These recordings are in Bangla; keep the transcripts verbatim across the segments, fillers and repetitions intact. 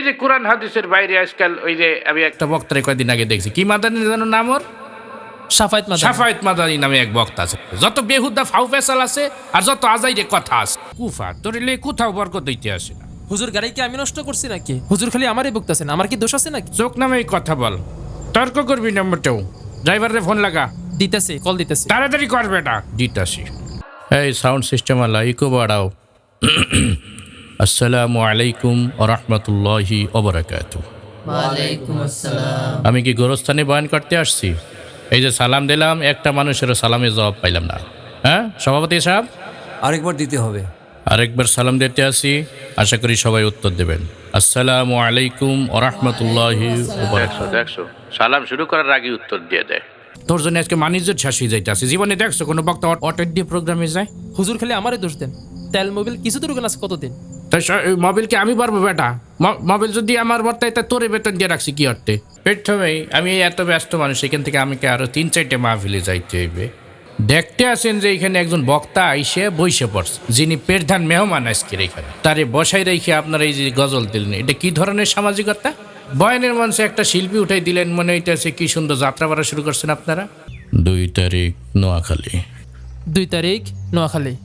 যে কোরআন হাদিসের বাইরে আজকাল ওই যে আমি একটা বক্তারে কয়েকদিন আগে দেখছি, কি মাদানি জানো নাম ওর? সাফায়েত মাদানি। সাফায়েত মাদানি নামে এক বক্তা আছে। যত বেহুদা ফাউ ফেসাল আছে আর যত আজাইরে কথা আছে, কুফা তোরিলে কোথাও বরকত দিতে আসে না। হুজুর গাড়ি কি আমি নষ্ট করছি নাকি? হুজুর খালি আমারই বকতেছেন, আমার কি দোষ আছে নাকি? চোখ নামে কথা বল, তর্ক করবি না মোটেও। ড্রাইভারে ফোন লাগা, দিতেছি, কল দিতেছি। তাড়াতাড়ি করবে না, দিতাছি। এই সাউন্ড সিস্টেম আলা ইকো বাড়াও। আসসালামু আলাইকুম ওয়া রাহমাতুল্লাহি ওয়া বারাকাতুহু। ওয়ালাইকুম আসসালাম। আমি কি গোরস্থানে বয়ান করতে আসছি? এই যে সালাম দিলাম, একটা মানুষেরও সালামের জবাব পাইলাম না। হ্যাঁ সভাপতি সাহেব, আরেকবার দিতে হবে। আরেকবার সালাম দিতে আসি, আশা করি সবাই উত্তর দেবেন। আসসালামু আলাইকুম ওয়া রাহমাতুল্লাহি ওয়া বারাকাতুহু। দেখছো সালাম শুরু করার আগে উত্তর দিয়ে দেয়। তোর জন্য আজকে মানিজ্য শেষ যাইতে আছে। জীবনে দেখছো কোনো বক্তা অটো দিয়ে প্রোগ্রামে যায়? হুজুর খালি আমারই দোষ দেন। তেল মোবিল কিছু তো রুকেন আছে কতদিন? তাই মোবিলকে আমি পারবো বেটা? মোবিল যদি আমার বর্তায় তা তোরে বেতন দিয়ে রাখছি কি অর্থে? প্রথমেই আমি এত ব্যস্ত মানুষ, এখান থেকে আমাকে আরো তিন চারটে মাহফিলে যাইতে হইবে। দেখতে আসেন যে এখানে একজন বক্তা আইসে বইসে পড়ছে, যিনি প্রধান মেহমান আজকের এখানে, তারে বসাই রেখে আপনারা এই যে গজল দিলেন, এটা কি ধরনের সামাজিকতা? বয়ানের মঞ্চে একটা শিল্পী উঠাই দিলেন, মনে হইতেছে কি সুন্দর যাত্রা বাড়া শুরু করছেন আপনারা। দুই তারিখ নোয়াখালী, দুই তারিখ নোয়াখালী,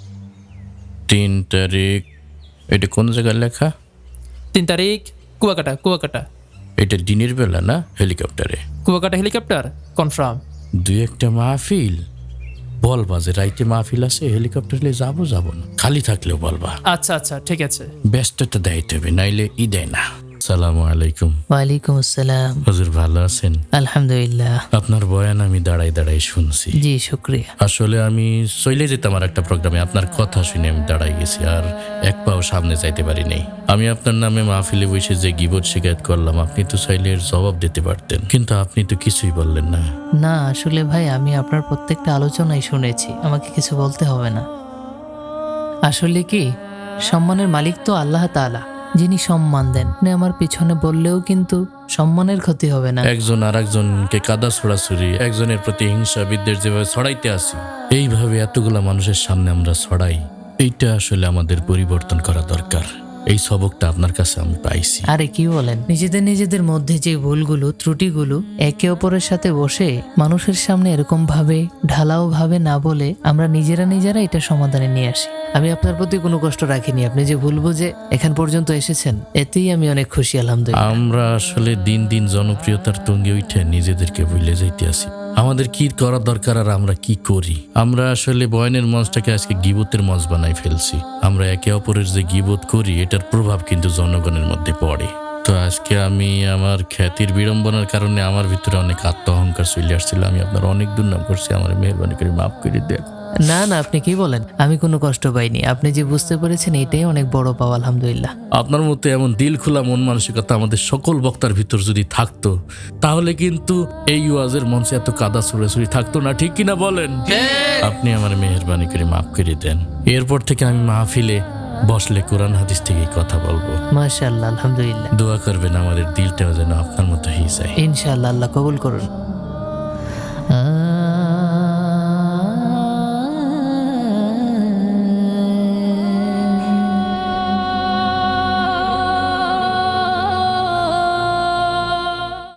তিন তারিখ এটা কোন জায়গায় লেখা? তিন তারিখ কুয়াকাটা, কুয়াকাটা। এটা দিনের বেলা না হেলিকপ্টারে? Kuakata helicopter confirm. দুই একটা মাহফিল বলবা যে রাইতে মাহফিল আছে, হেলিকপ্টারে যাবো যাবো না, খালি থাকলেও বলবা। আচ্ছা আচ্ছা ঠিক আছে। ব্যস্ততা দায়িত্ব হবে, নাইলে ই দেয় না। সালামু আলাইকুম। ওয়ালাইকুম আসসালাম। হুজুর ভালো আছেন? আলহামদুলিল্লাহ। আপনার বয়ান আমি দাঁড়াই দাঁড়াই শুনছি। জি শুক্রিয়া। আসলে আমি চলে যেতাম আর একটা প্রোগ্রামে, আপনার কথা শুনে আমি দাঁড়াই গেছি, আর এক পাও সামনে যাইতে পারি নাই। আমি আপনার নামে মাহফিলে বসে যে গিবত শিকায়ত করলাম, আপনি তো চাইলে এর জবাব দিতে পারতেন, কিন্তু আপনি তো কিছুই বললেন না। না আসলে ভাই, আমি আপনার প্রত্যেকটা আলোচনাই শুনেছি, আমাকে কিছু বলতে হবে না। আসলে কি, সম্মানের মালিক তো আল্লাহ তাআলা, যিনি সম্মান দেন। আপনি আমার পিছনে বললেও কিন্তু সম্মানের ক্ষতি হবে না। একজন আর একজনকে কাদা ছড়াছড়ি, একজনের প্রতি হিংসা বিদ্বেষ যেভাবে ছড়াইতে আসি, এইভাবে এতগুলা মানুষের সামনে আমরা ছড়াই, এইটা আসলে আমাদের পরিবর্তন করা দরকার। এই সবকটা আপনার কাছে আমি পাইছি। আরে কি বলেন, নিজেদের নিজেদের মধ্যে যে ভুলগুলো ত্রুটিগুলো একে অপরের সাথে বসে মানুষের সামনে এরকম ভাবে ঢালাও ভাবে না বলে আমরা নিজেরা নিজেরা এটা সমাধানে নিয়ে আসি। আমি আপনার প্রতি কোনো কষ্ট রাখিনি, আপনি যে ভুল বুঝে এখান পর্যন্ত এসেছেন, এতেই আমি অনেক খুশি আলহামদুলিল্লাহ। আমরা আসলে দিন দিন জনপ্রিয়তার তুঙ্গে উঠে নিজেদেরকে ভুলে যাইতে আসি। আমাদের কি করা দরকার আর আমরা কি করি? আমরা আসলে বয়ানের মঞ্চটাকে আজকে গিবতের মঞ্চ বানাই ফেলছি। আমরা একে অপরের যে গিবত করি, এটার প্রভাব কিন্তু জনগণের মধ্যে পড়ে। তো আজকে আমি আমার খ্যাতির বিড়ম্বনার কারণে আমার ভিতরে অনেক আত্ম অহংকার চলে আসছিল। আমি আপনার অনেক দুর্নাম করছি, আমার মেহরবানি করে মাফ করে দেন। না না, আপনি কি বলেন, আমি কোনো কষ্ট পাইনি। আপনি যে বুঝতে পেরেছেন এটাই অনেক বড় পাওয়া আলহামদুলিল্লাহ। আপনার মতো এমন দিল খোলা মন মানসিকতা আমাদের সকল বক্তার ভিতর যদি থাকতো, তাহলে কিন্তু এই ওয়াজের মঞ্চে এত কাদা ছড়াছড়ি থাকতো না, ঠিক কিনা বলেন? আপনি আমার মেহরবানি করে মাফ করে দেন। এরপর থেকে আমি মাহফিলে বসলে কোরআন হাদিস থেকে কথা বলবো। মাশাআল্লাহ, আলহামদুলিল্লাহ। দোয়া করবেন আমাদের দিলটাও যেন আপনার মতো হয়ে যায়। ইনশাআল্লাহ, আল্লাহ কবুল করুন।